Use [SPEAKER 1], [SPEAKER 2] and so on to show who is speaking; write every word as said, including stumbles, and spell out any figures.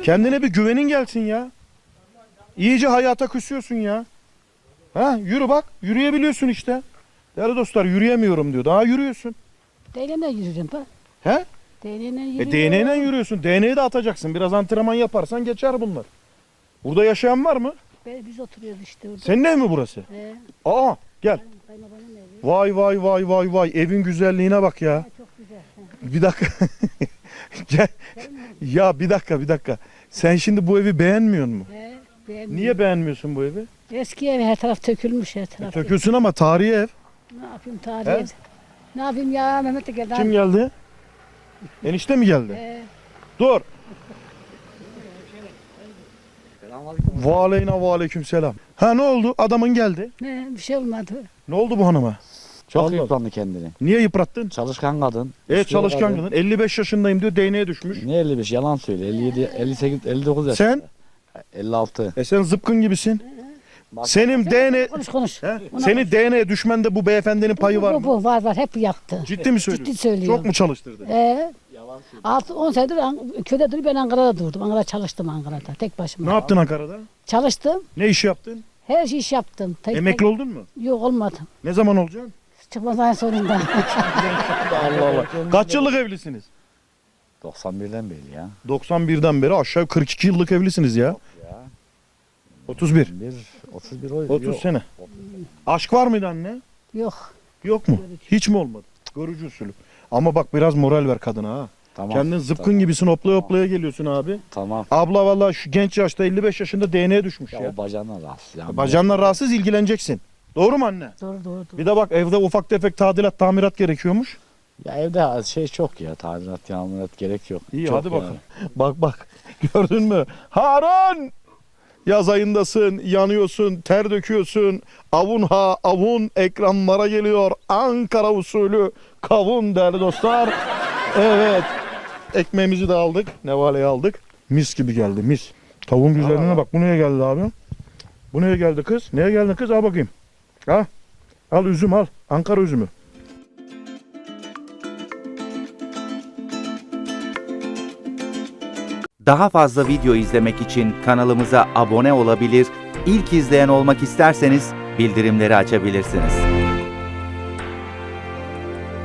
[SPEAKER 1] Kendine bir güvenin gelsin ya. İyice hayata küsüyorsun ya. Ha, yürü bak. Yürüyebiliyorsun işte. Değerli dostlar, yürüyemiyorum diyor. Daha yürüyorsun.
[SPEAKER 2] Değneğine yürürüm bak.
[SPEAKER 1] He?
[SPEAKER 2] Değneğine
[SPEAKER 1] E
[SPEAKER 2] yürüyorum.
[SPEAKER 1] değneğiyle yürüyorsun. Değneği de atacaksın. Biraz antrenman yaparsan geçer bunlar. Burada yaşayan var mı?
[SPEAKER 2] Be- Biz oturuyoruz işte orada.
[SPEAKER 1] Senin ev mi burası?
[SPEAKER 2] He.
[SPEAKER 1] Aa, gel.
[SPEAKER 2] Kayınbabanın evi.
[SPEAKER 1] Vay vay vay vay vay. Evin güzelliğine bak ya.
[SPEAKER 2] Ha, çok güzel. He.
[SPEAKER 1] Bir dakika. Gel. Ya bir dakika bir dakika. Sen şimdi bu evi beğenmiyor musun?
[SPEAKER 2] He, beğenmiyorum.
[SPEAKER 1] Niye beğenmiyorsun bu evi?
[SPEAKER 2] Eski ev her taraf tökülmüş her taraf.
[SPEAKER 1] Tökülsün ama tarihi ev.
[SPEAKER 2] Ne yapayım tarihi
[SPEAKER 1] He?
[SPEAKER 2] ev. Ne yapayım ya Mehmet de geldi.
[SPEAKER 1] Kim geldi? Enişte mi geldi?
[SPEAKER 2] He.
[SPEAKER 1] Dur. Ve aleyna ve aleyküm selam. Ha ne oldu? Adamın geldi.
[SPEAKER 2] Ne bir şey olmadı.
[SPEAKER 1] Ne oldu bu hanıma?
[SPEAKER 3] Çok
[SPEAKER 1] Allah.
[SPEAKER 3] yıprandı kendini.
[SPEAKER 1] Niye yıprattın?
[SPEAKER 3] Çalışkan kadın.
[SPEAKER 1] Evet
[SPEAKER 3] güçlü
[SPEAKER 1] çalışkan kadın. elli beş yaşındayım diyor, değneğe düşmüş.
[SPEAKER 3] Ne elli beş yalan söyle. elli yedi, elli sekiz, elli dokuz yaş.
[SPEAKER 1] Sen?
[SPEAKER 3] elli altı.
[SPEAKER 1] E sen zıpkın gibisin. Senin D N A...
[SPEAKER 2] Konuş konuş.
[SPEAKER 1] He?
[SPEAKER 2] Ona
[SPEAKER 1] Seni D N A düşmende bu beyefendinin payı var
[SPEAKER 2] bu,
[SPEAKER 1] mı?
[SPEAKER 2] bu var var hep yaptı.
[SPEAKER 1] Ciddi mi söylüyorsun?
[SPEAKER 2] Ciddi söylüyorum.
[SPEAKER 1] Çok mu çalıştırdı?
[SPEAKER 2] Ee, altı on senedir An- köyde durup ben Ankara'da durdum. Ankara'da çalıştım Ankara'da tek başıma.
[SPEAKER 1] Ne yaptın Ankara'da?
[SPEAKER 2] Çalıştım.
[SPEAKER 1] Ne iş yaptın?
[SPEAKER 2] Her şey iş yaptım. Tek,
[SPEAKER 1] Emekli oldun mu?
[SPEAKER 2] tek- Yok olmadım.
[SPEAKER 1] Ne zaman olacaksın?
[SPEAKER 2] Çıkmaz ayın sonunda.
[SPEAKER 1] Allah Allah. Kaç yıllık evlisiniz?
[SPEAKER 3] doksan birden beri ya.
[SPEAKER 1] doksan birden beri aşağı kırk iki yıllık evlisiniz ya.
[SPEAKER 3] Ya.
[SPEAKER 1] otuz bir.
[SPEAKER 3] Bir, otuz bir o.
[SPEAKER 1] otuz
[SPEAKER 3] yok.
[SPEAKER 1] sene. Aşk var mıydı anne?
[SPEAKER 2] Yok.
[SPEAKER 1] Yok mu? Hiç mi olmadı? Görücü usulü. Ama bak biraz moral ver kadına ha.
[SPEAKER 3] Tamam.
[SPEAKER 1] Kendin zıpkın
[SPEAKER 3] tamam,
[SPEAKER 1] gibisin, hoplaya hoplaya geliyorsun abi.
[SPEAKER 3] Tamam.
[SPEAKER 1] Abla vallahi şu genç yaşta elli beş yaşında D N A düşmüş
[SPEAKER 3] Ya,
[SPEAKER 1] ya.
[SPEAKER 3] o bacağına rahatsız. Yani.
[SPEAKER 1] Bacağınla rahatsız, ilgileneceksin. Doğru mu anne?
[SPEAKER 2] Doğru doğru. doğru.
[SPEAKER 1] Bir de bak evde ufak tefek tadilat, tamirat gerekiyormuş.
[SPEAKER 3] Ya evde şey çok ya. Tadilat, yağmurat gerek yok.
[SPEAKER 1] İyi
[SPEAKER 3] Çok
[SPEAKER 1] hadi
[SPEAKER 3] yani.
[SPEAKER 1] bakalım. Bak bak gördün mü? Harun! Yaz ayındasın, yanıyorsun, ter döküyorsun. Avun ha avun ekranlara geliyor. Ankara usulü kavun değerli dostlar. Evet. Ekmeğimizi de aldık. Nevale'yi aldık. Mis gibi geldi mis. Tavuğun güzelliğine bak. Bu neye geldi abi? Bu neye geldi kız? Neye geldi kız? Al bakayım. Ha? Al üzüm al. Ankara üzümü.
[SPEAKER 4] Daha fazla video izlemek için kanalımıza abone olabilir, ilk izleyen olmak isterseniz bildirimleri açabilirsiniz.